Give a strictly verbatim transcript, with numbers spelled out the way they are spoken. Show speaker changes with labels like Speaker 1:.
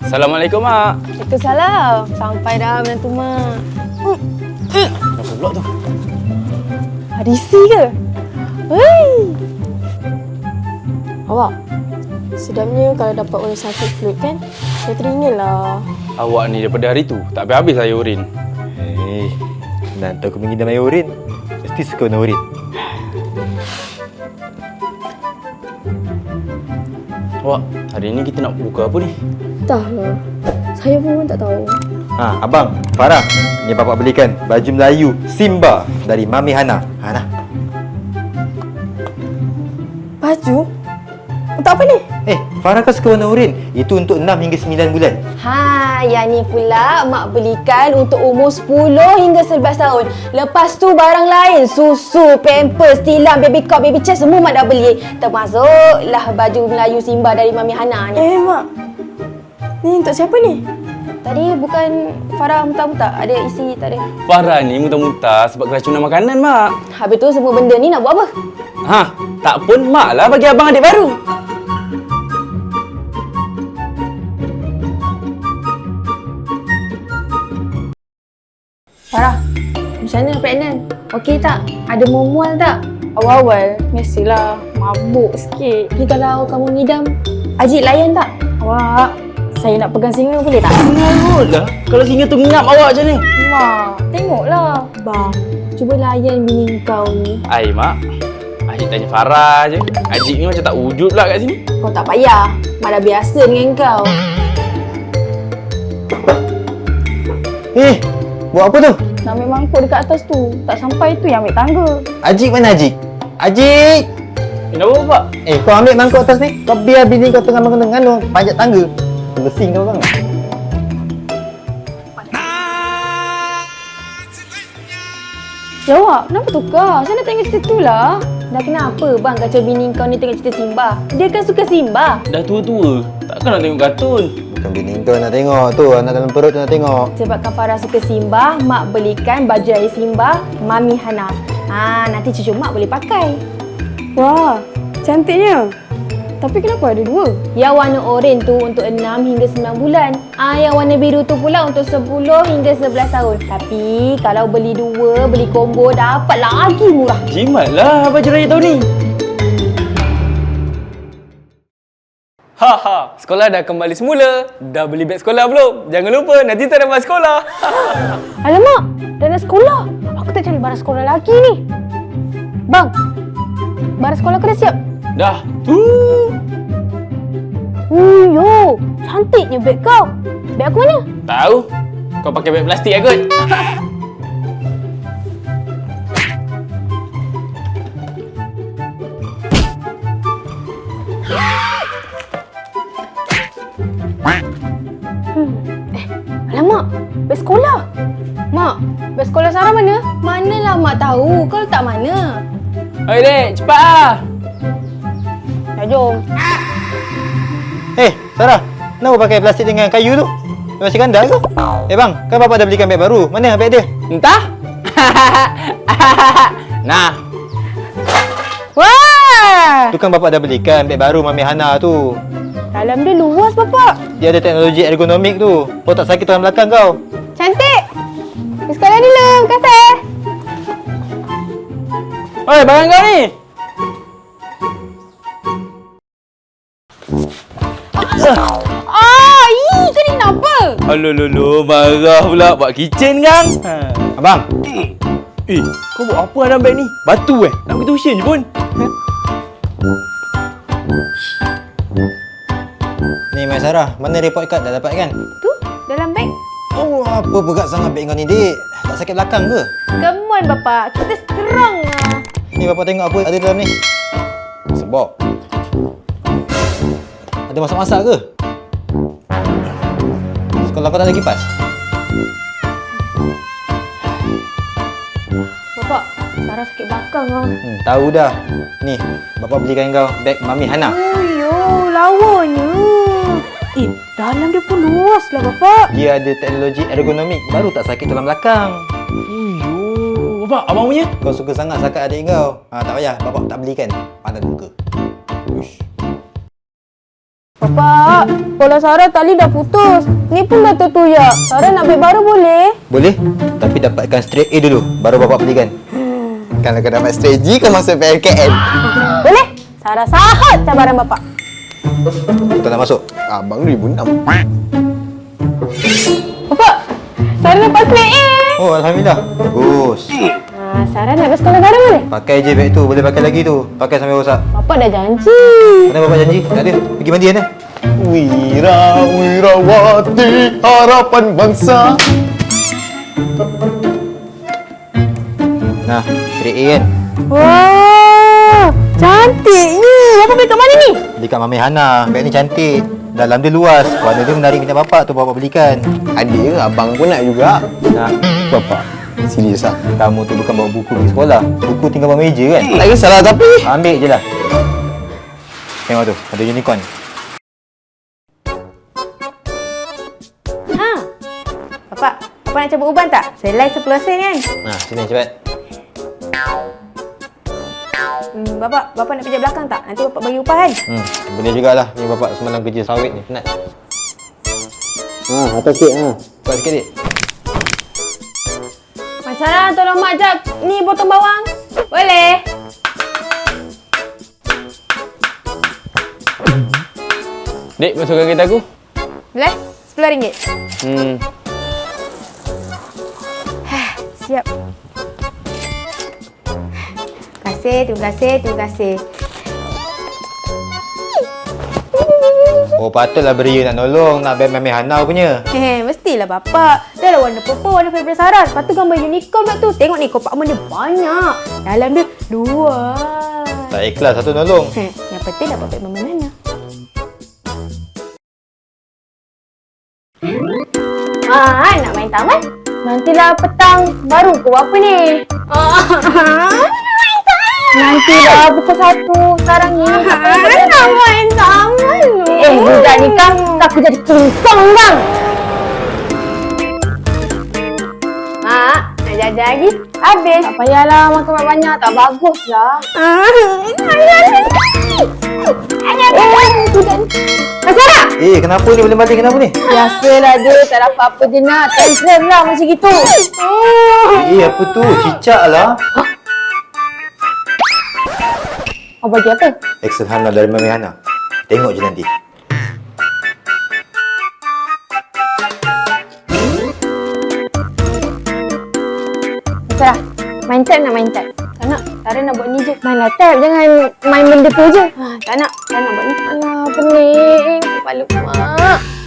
Speaker 1: Assalamualaikum, Mak.
Speaker 2: Waalaikumsalam. Sampai dah menantu Mak.
Speaker 1: Apa pula tu?
Speaker 2: Hadisi ke? Hei. Awak, sedapnya kalau dapat orang sakit flu kan? Saya teringin lah.
Speaker 1: Awak ni daripada hari tu tak habis-habis saya urin.
Speaker 3: Hei, nak tahu aku mengidam air urin. Mesti suka warna urin.
Speaker 1: Awak, hari ni kita nak buka apa ni?
Speaker 2: Entahlah. Saya pun tak tahu.
Speaker 3: Ha, abang, Farah. Ni bapak belikan baju Melayu Simba dari Mami Hana. Ha nah.
Speaker 2: Baju? Untuk apa ni?
Speaker 3: Eh, Farah kan suka warna urin. Itu untuk enam hingga sembilan bulan.
Speaker 2: Ha, yang ni pula Mak belikan untuk umur sepuluh hingga sebelas tahun. Lepas tu barang lain, susu, pampers, tilam, baby cup, baby chair semua Mak dah beli. Termasuklah baju Melayu Simba dari Mami Hana ni. Eh, Mak. Ni untuk siapa ni? Tadi bukan Farah muntah-muntah? Ada isi tak ada?
Speaker 1: Farah ni muntah-muntah sebab keracunan makanan, Mak.
Speaker 2: Habis tu semua benda ni nak buat apa?
Speaker 1: Ha, tak pun Mak lah bagi abang adik baru.
Speaker 2: Farah, macam mana pregnant? Okey tak? Ada mual tak? Awal-awal, mestilah mabuk sikit. Ni kalau kamu ngidam, Ajik layan tak? Awak, saya nak pegang singa boleh tak?
Speaker 1: Singa kot lah. Kalau singa tu ngap awak macam ni.
Speaker 2: Mak, tengoklah. Bang, cuba layan bini kau ni.
Speaker 1: Ai, Mak. Ajik tanya Farah je. Ajik ni macam tak wujud pula kat sini.
Speaker 2: Kau tak payah. Mak dah biasa dengan kau.
Speaker 3: Eh, buat apa tu?
Speaker 2: Nak ambil mangkuk dekat atas tu. Tak sampai tu yang ambil tangga.
Speaker 3: Ajik mana Ajik? Ajik!
Speaker 1: Kenapa, Pak?
Speaker 3: Eh, kau ambil mangkuk atas ni. Kau biar bini kau tengah mengandung panjat tangga. Bersing kau bang.
Speaker 2: Ya awak, kenapa tukar? Saya nak tengok cerita tu lah. Dah kenapa bang kacau bini kau ni tengok cerita Simba? Dia kan suka Simba.
Speaker 1: Dah tua-tua. Takkan nak tengok kartun.
Speaker 3: Bukan bini kau nak tengok tu. Anak dalam perut tu nak tengok.
Speaker 2: Sebabkan Farah suka Simba, Mak belikan baju dari Simba, Mami Hana. Ah, nanti cucu Mak boleh pakai. Wah, cantiknya. Tapi kenapa ada dua? Yang warna oranye tu untuk enam hingga sembilan bulan. Ah, yang warna biru tu pula untuk sepuluh hingga sebelas tahun. Tapi kalau beli dua, beli combo dapat lagi murah.
Speaker 1: Jimatlah baju raya tahun ni. Haha, sekolah dah kembali semula. Dah beli beg sekolah belum? Jangan lupa nanti tak dapat sekolah.
Speaker 2: Alamak, dah nak sekolah. Aku tak cari barang sekolah lagi ni. Bang, barang sekolah aku dah siap.
Speaker 1: Dah. Tu.
Speaker 2: Uyo, cantiknya beg kau. Beg aku mana?
Speaker 1: Tahu. Kau pakai beg plastik lah kot.
Speaker 2: Hmm. Eh, alamak, beg sekolah. Mak, beg sekolah Sarah mana? Manalah Mak tahu. Kau letak mana?
Speaker 1: Oi, Dek, cepat ah.
Speaker 2: Ya, jom.
Speaker 3: Eh, Sarah. Kenapa pakai plastik dengan kayu tu? Masih ganda ke? Eh bang, kan bapak dah belikan beg baru. Mana beg dia?
Speaker 1: Entah. Nah.
Speaker 2: Wah!
Speaker 3: Tu kan bapak dah belikan beg baru Mami Hana tu.
Speaker 2: Dalam dia luas, Bapak.
Speaker 3: Dia ada teknologi ergonomik tu. Kau tak sakit tulang belakang kau.
Speaker 2: Cantik. Pergi sekolah dulu, kata.
Speaker 1: Oi, barang kau ni.
Speaker 2: Ah, ih, kau ni kenapa?
Speaker 1: Alah, lolo, marah pula buat kitchen kan? Ha.
Speaker 3: Abang,
Speaker 1: Eh, kau buat apa dalam beg ni? Batu eh? Nak pergi tuition je pun.
Speaker 3: ni Mai Sarah. Mana report card dah dapat kan?
Speaker 2: Tu, dalam beg.
Speaker 3: Oh, apa berat sangat beg kau ni, Dik? Tak sakit belakang ke?
Speaker 2: Come on, Bapak. Kita serang lah.
Speaker 3: Ni bapak tengok apa ada dalam ni. Sebab. Ada masak-masak ke? Sekolah kau tak ada kipas?
Speaker 2: Bapak, Sarah sakit belakang lah.
Speaker 3: Hmm, tahu dah. Ni, bapak belikan kau beg Mami Hana.
Speaker 2: Oh, yo, lawanya. Eh, dalam dia pun luas lah, Bapak.
Speaker 3: Dia ada teknologi ergonomik. Baru tak sakit tulang belakang.
Speaker 1: Uyuh. Bapak, abang punya?
Speaker 3: Kau suka sangat sakat adik kau. Ha, tak payah. Bapak tak belikan. Pandai muka. Uish.
Speaker 2: Bapak, sekolah Sarah tali dah putus. Ni pun dah tertuyak. Sarah nak beg baru boleh?
Speaker 3: Boleh, tapi dapatkan straight A dulu, baru bapak belikan.
Speaker 4: Kalau kau dapat strategi, kau masuk P L K N.
Speaker 2: Boleh? Sarah sahut cabaran bapak.
Speaker 3: Kau tak nak masuk?
Speaker 4: Abang dua ribu enam.
Speaker 2: Bapak, Sarah dapat straight A.
Speaker 3: Oh, Alhamdulillah. Bagus.
Speaker 2: Ha, Sarah nak ke sekolah baru boleh?
Speaker 3: Pakai je beg tu, boleh pakai lagi tu. Pakai sampai rosak.
Speaker 2: Bapak dah janji.
Speaker 3: Mana bapak janji? Tak ada. Pergi mandi kan?
Speaker 4: Wira, wirawati, harapan bangsa.
Speaker 3: Nah, straight A kan?
Speaker 2: Wah, cantiknya. Bapak beli kat mana ni?
Speaker 3: Beli kat Mami Hana. Beg ni cantik. Dalam dia luas. Warna dia menarik minat bapak tu bapak belikan.
Speaker 4: Ada ke? Abang pun nak juga.
Speaker 3: Nah,
Speaker 4: Bapak, serius ah?
Speaker 3: kamu tu bukan bawa buku pergi sekolah. Buku tinggal bawah meja kan?
Speaker 4: Tak kisahlah tapi.
Speaker 3: Ambil je lah. Tengok tu, ada unicorn.
Speaker 2: Ha. Bapak, bapak nak cabut uban tak? Saya like sepuluh sen kan?
Speaker 3: Nah, sini cepat.
Speaker 2: Hmm, bapak, bapak nak pijak belakang tak? Nanti bapak bagi upah kan?
Speaker 3: Hmm, boleh jugalah. Ni bapak semalam kerja sawit ni, penat.
Speaker 4: Ah, atas sikit ah.
Speaker 3: Buat sikit dik.
Speaker 2: Mak Sarah, tolong mak jap. Ni potong bawang. Boleh?
Speaker 1: Dek, masukkan kereta aku.
Speaker 2: Boleh? Sepuluh ringgit.
Speaker 1: Hmm.
Speaker 2: Siap. Terima kasih, terima kasih, terima kasih.
Speaker 3: Oh, patutlah Beria nak nolong. Nak beg Mami Hana punya.
Speaker 2: Hehe, mestilah bapak. Dah lah warna purple, warna favourite Sarah. Lepas tu gambar unicorn pula tu. Tengok ni, kompartmen dia banyak. Dalam dia luas.
Speaker 3: Tak ikhlas satu nolong.
Speaker 2: Heh, yang penting dapat beg Mama Nana. Ah, nak main taman? Nantilah petang. Baru ke apa ni? Ah, main taman. Nantilah pukul satu. Sekarang ni. Nak main taman. Eh, budak ni kan. Aku jadi kingsong bang. Mak, nak jajan lagi? Habis. Tak payahlah makan banyak-banyak. Tak bagus lah. Mas Sarah!
Speaker 3: Eh, kenapa ni boleh balik? Kenapa ni?
Speaker 2: Biasalah dia. Tak dapat apa je nak. Tantrum lah macam gitu.
Speaker 3: Eh, apa tu? Cicak lah.
Speaker 2: Oh, bagi apa?
Speaker 3: Excel Hana dari Mami Hana. Tengok je nanti.
Speaker 2: Mas Sarah, main tab nak main tab? Tak nak. Sarah nak buat ni je. Mainlah tab. Jangan main benda tu je. Ha, tak nak. Tak nak buat ni. Alah, pening. Kepala mak.